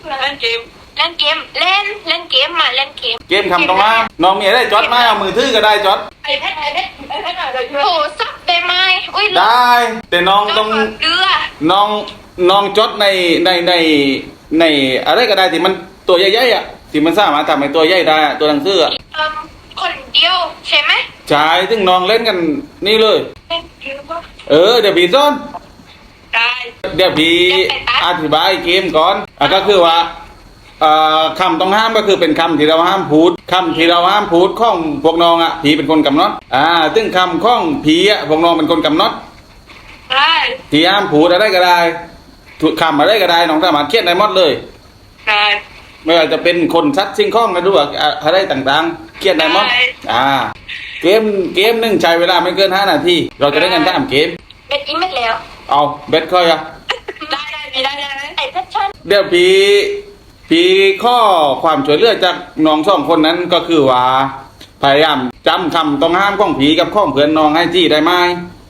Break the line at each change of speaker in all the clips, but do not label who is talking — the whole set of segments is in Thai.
เล่นเกมเล่นเกมเล่นเกมมาเล่นเกม
เกมคำตรงมาน้องมีอะไรจดไหมเอามือถือก็ได้จด
ไอแพดอะไรโอ้สับได้ไหมอุ้ย
ได้แต่น้องต้อง
เรือ
น้องจดในอะไรก็ได้ที่มันตัวใหญ่ๆอ่ะที่มันสามารถทำให้ตัวใหญ่ได้ตัวหนังสือ
คนเดียวใช่ไหม
ใช่ซึ่งน้องเล่นกันนี่เลยเดี๋ยวพี่ซ้อนเดี๋ยวพี่อธิบายเกมก่อนก็คือว่าคำต้องห้ามก็คือเป็นคำที่เราห้ามพูดคำที่เราห้ามพูดข้องพวกน้องอ่ะผีเป็นคนกำหนดซึ่งคำข้องผีอ่ะพวกน้องเป็นคนกำหนดที่ห้ามพูดอะไรก็ได้คำอะไรก็ได้น้องสามารถเขียนได้หมดเลยไม่ว่าจะเป็นคนซัดสิ่งข้องกันด้วยอะไรต่างๆเขียนได้หมดเกมหนึ่งใช้เวลาไม่เกิน5 นาทีเราจะได้กัน3 เกม
เบ็ดอีเม็ดแล้ว
เอาเบ็ดค่อย
ได้ไอ้เพชรชั่น
เดี๋ยวพี่ข้อความช่วยเหลือจากน้อง2 คนนั้นก็คือว่าพยายามจำคำต้องห้ามของผีกับข้องเพื่อนน้องให้จี้ได้ไหม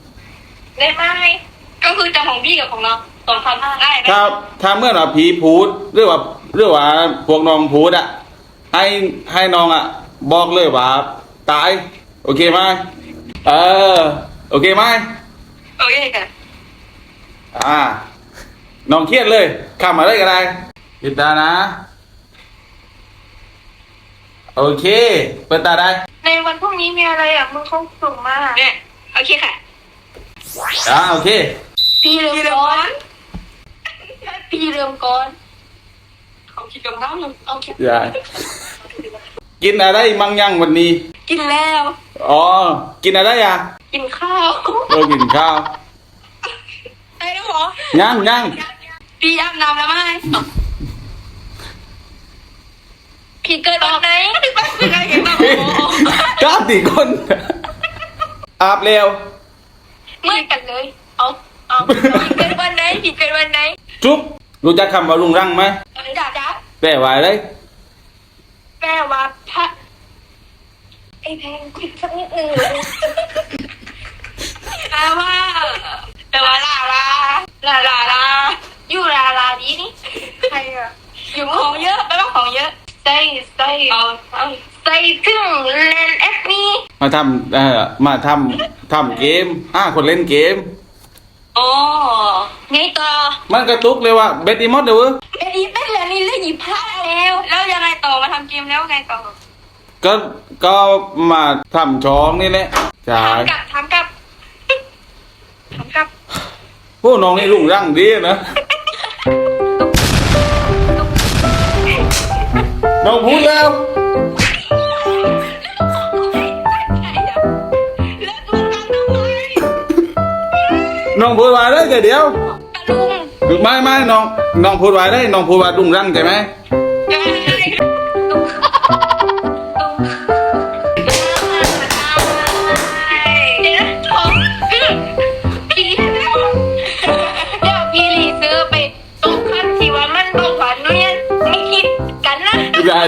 ก็คือจำของพี่กับของน้อง2 คำได้ไหม
ถ้าเมื่อเราผีพูดหรือว่าพวกน้องพูดอ่ะให้น้องอ่ะบอกเลยว่าตายโอเคไหมโอเคไหม
โอเคค่ะ
น้องเครียดเลยคำอะไรก็ได้ปิดตานะโอเคเปิดตาได้
ในวันพรุ่งนี้มีอะไรมึงเขาส่งมาเนี่ยโอเคค่ะ
โอเค
พี่เริ่มก่อนเขาคิดกับน้ำเลยเอาคิด
กินอะไรมั่งยังวันนี้
กินแล้ว
กินอะไร
กินข้าว
กินข้าว
ได้แล้วเหรอ
ยัง
พี่อาบน้ำแล้วไหมพี่เกิดวันไหน
ก้าตีคนอาบเร็ว
เหมือนกันเลยเอาพี่เกิดวันไหน
จุ๊บรู้จักคำว่าลุงรังไหม
จ๊ะ
แปลว่าอะไร
แปลว่าพระไอ้แพงคุยสักนิดนึงแปลว่าลาอยู่ลาดีนี่ใครอะอยู่ของเยอะแปลว่าของเยอะใส่ถึงเล่นแอปนี้
มาทำเกมคนเล่นเกม
ไงต่อ
มันกระตุกเลยว่าเบดอีมอดเด้อ
เบดอีเป็นแล้วนี่เล่นหยิบผ้าแล้วยังไงต่อมาทำเกมแล้วไงต่อ
ก็มาทำช้องนี่แหละใช่
ทำกับ
พวกน้องนี่ลุงรังดีนะน้องพูดแล้วน้องพูดว่าได้แต่เดียวไม่น้องพูดว่าได้น้องพูดว่าลุงรังใช่ไหมได้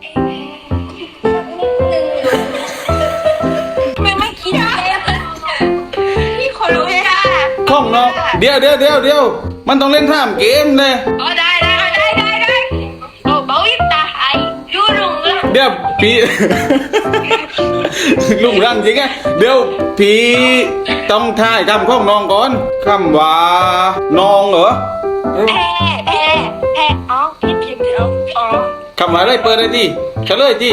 ไม่คิดเลยพี่ขอรู้ค่ะ
ข้องน้องเดี๋ยวมันต้องเล่นท่ามเกมเลย
ได้โอ้เบาอิตาไอยูลุงละ
เดี๋ยวพี่ลุงรังจริงไงเดี๋ยวพี่ต้องถ่ายคำข้องน้องก่อนคำว่าน้องเหรอ
แพ้พี่พิมพ์เดี๋ยว
คำว่าอะไรเปิดได้ที่เฉลยที่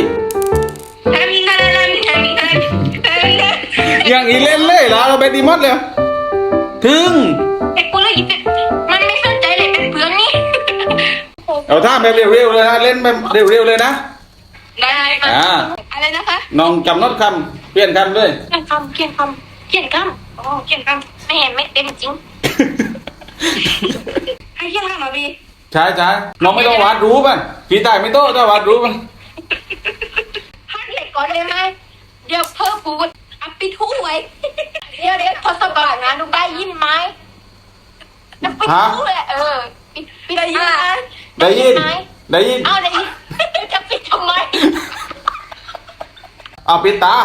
อย่างอีเล่นเลยล่ะเราไปดีมดเลยถึง
ไอ้กูเลยมันไม่สนใจเลยเป็นเพื่อนนี่
เอาท่าแบบเร็วๆเลยนะเล่นแบบเร็วๆเลยนะ
ได้อะไรนะคะ
น้องจำนดคำเปลี่ยนคำเลย
เขียนคำเขียนคำไม่เห็นไม่เต็มจริงให้เขียนคำมาบี
ใช่น้องไม่ต้องวาดรูปป่ะพี่ตายไม่โต้ถ้าวาดรูปป่ะ
ฮัทเล็กก่อนเลยไหมเดี๋ยวเพิ่มพูดอัพปิทูไว้เดี๋ยวทศกัณฐ์นะดูได้ยินไหมอัพปิทูแหละปิดได้ยิน
ได้ยิน
ได้ยินจะปิดทำไม
เอาปิดตา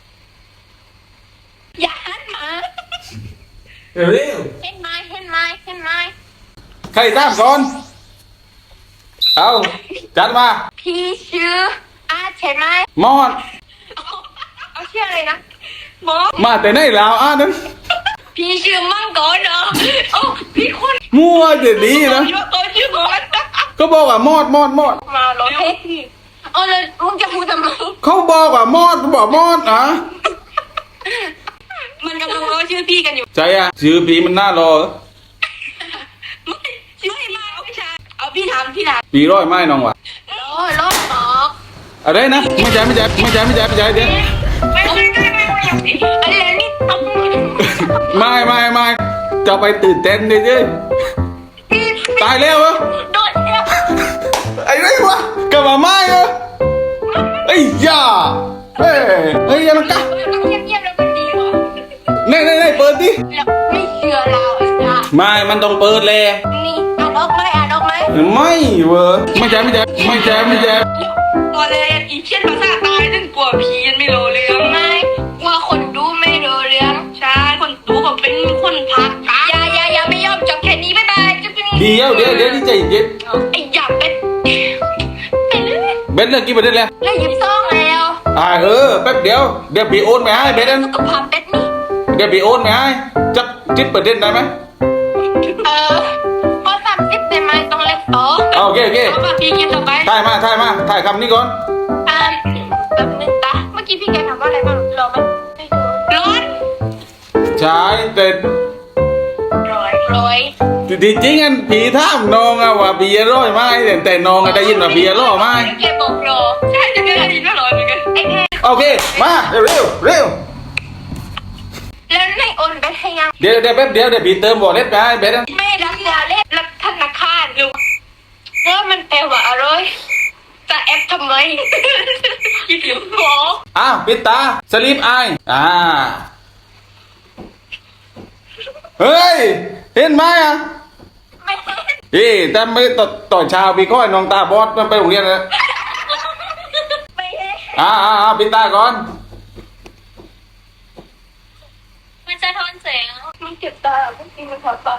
อย่าหันมา
เร็ว
เห็นไหมช่ไหม
ใครตามก่อนเอาจัดมา
พี่ชื่ออาร์ตใช่ไหม
มอด
เอาชื่ออะไรนะหมอ
มาแต่ไหนแล้วนั้น
พี่ชื่อมังกรเหรอโอ้พี่คน
มั่วเดี๋ยวนี้นะ
เขาชื่อมอส
ก็บอกว่ามอด
มาเหรอเฮ้ยเอาเลยมึงจะพูดทำไม
เขาบอกว่ามอดบอกมอดอ่ะ
มันกำลังรอชื่อพี่กันอยู่
ใจอ่ะชื่อผีมันน่ารอ
ไม่ชื่อมาไม่ใช่เอาพี่ถาม
ผีร้อยไม้น้องวะ
รอหมอ
อะไรนะไม่ใช่เดี๋ยว
ไม่อะไรนี่ต้อง
ไม่จะไปตื่นเต้นดิตายแล้วเหรอ
โดดเนี่ย
ไอ้ไรวะกลับมาไม่เหรอไอ้ยาเฮ้ยยังกะ
ต้องเงียบๆแล้วมันดีว่ะ
นี่เปิดดิ
แล้วไม่เชื่อเราไอ้จ้า
ไม่มันต้องเปิดเลย
นี่อ่านออกไหม
ไม่เว้ยไม่ใช่
พอเลยอีเช่นภาษาตายนั่นกลัวผีไม่รู้เรื่องไม่ว่าคนดูไม่รู้เรื่องใช่คนดูก็เป็นคนพักอย่าไม่ยอมจบแค่นี้บ๊ายบายจะเป็น
เดี๋ยวที่ใจเย็น
ไอ้หยาบเป็นเรื่อย
เบสเลิกกี่ประเด็นแล้ว
แล้วหยิบซองแล้ว
แป๊บเดี๋ยวผีโอนไปให้เบส
สุขภาพเป็ดนี่
เดี๋ยวผีโอนไปให้จับจิตประเด็นได้ไหม
พอ30ได้ไหมต้องเล็กต่อ
โอเค
เอามาพี่กินต่อไป
ถ่ายมาถ่ายคำนี้ก่อน
แบบนึงตาเมื่อกี้พี่แกถามว่าอะไรบ้างรอไหมร้อน
ใช่แต่
ร้อย
ที่จริงอันผีท่ามน้องอะว่าผีร้อยไม้แต่น้องอะได้ยินว่าผีร้อยไม้
แกบอกรอใช่จะได้ยินว่าร้อยเหมือนกันไอ้แก
โอเคมาเร็ว
แล้วในโอนเบ็ดให้ยัง
เดี๋ยวแป๊บเดี๋ยวผีเติมบอลเล็ดไปให้เบส
ไม่รับยาเล่นรับธนาคารดูแล้วมันแปลว่าอะไรจะแอปทำไมคิดอยู่หมอ
ปิดตาสลีปไอเฮ้ยเห็นไหมอะ
ไม่เห็น
แต่ไม่ต่อเช้าพี่ก้อยน้องตาบอดมันไปโรงเรียนนะ
ไม่เห็น
ปิดตาก่อน
มันจะทอนแสงมันเจ็บตาเมื่อกี้มันถอดตา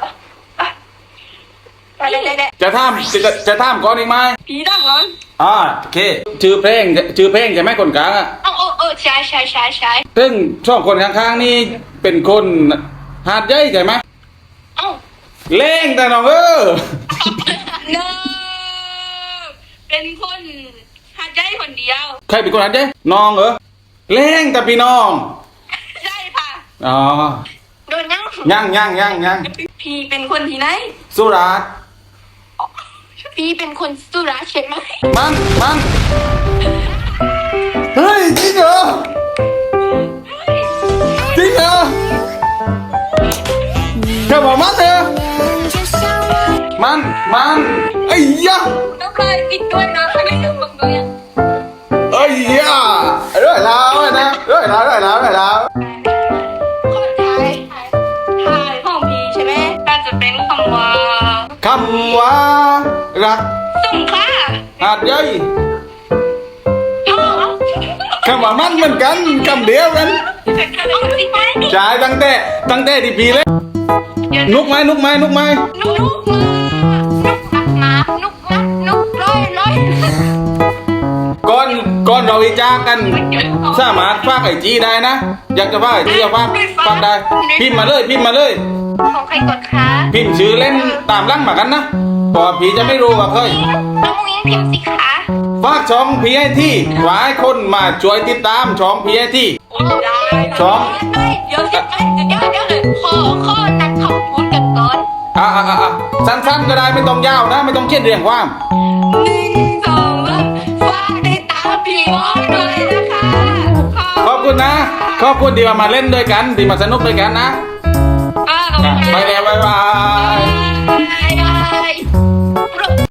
ได้
จะท่ามก่อนอีกไหม
ผีดังร้อน
โอเคชื่อเพลงใช่ไหมคนกลางอะ
ใช่
ซึ่งช่องคนข้างๆนี่เป็นคนหาดใหญ่ใช่ไหม
เอ้า
เล่งแต่น้อง
เนอเป็นคนหาใจคนเดียว
ใครเป็นคนหาดใหญ่น้องเหรอเล่งแต่พี่น้อง
ใช่ค่ะ
อ๋อ
โดนยัง
ยัง
พี่เป็นคนที่ไหน
สุราษฎร์
พี่เป็นคนสุราษฎร์ใช่ไหม
มันเฮ้ยจริงเหรอแค่บอกมันเถอะมันไอ้ยะ
ต้องเคยปิดด้วยนะไม่ลืมบังด้วย
ไอ้ยะเรื่อยแล้วนะเรื่อยแล้ว
คนไทยห้องพี่ใช่ไหมน่าจะเป็นคำว่า
คำว่ารัก
สงขลา
หาดใหญ่
พ่อ
คำว่ามันเหมือนกันคำเดียวกัน
เอาสิไหม
จ่ายตั้งแต่ที่ปีเลยนุกไหม
นุกมานุกร้อย
ก่อนเราวิจารณ์กันสามารถฝากไอจีได้นะ อยากจะฝากไอจีก็ฝากได้พิมพ์มาเลย
ของใครกดคะ
พิมพ์ชื่อเล่นตามร่างมากันนะเพราะผีจะไม่รู้ว่าเคย
น้องมิ้งพิมพ์สิคะ
ฝากช่องพีไอที่หวายคนมาช่วยติดตามช่องพีไอที่ ช่อง
เดี๋ยวเลยข้อนั้นขอบคุณกันก่อน
สั้นๆก็ได้ไม่ต้องยาวนะ ไม่ต้องเครียดเรียงความ
1 2ฝากติดตามพี่วอนด้วยนะคะ
ขอบคุณนะขอบคุณที่มาเล่นด้วยกันที่มาสนุกด้วยกันนะ
ขอบคุณ
ไปแล้วบ๊ายบาย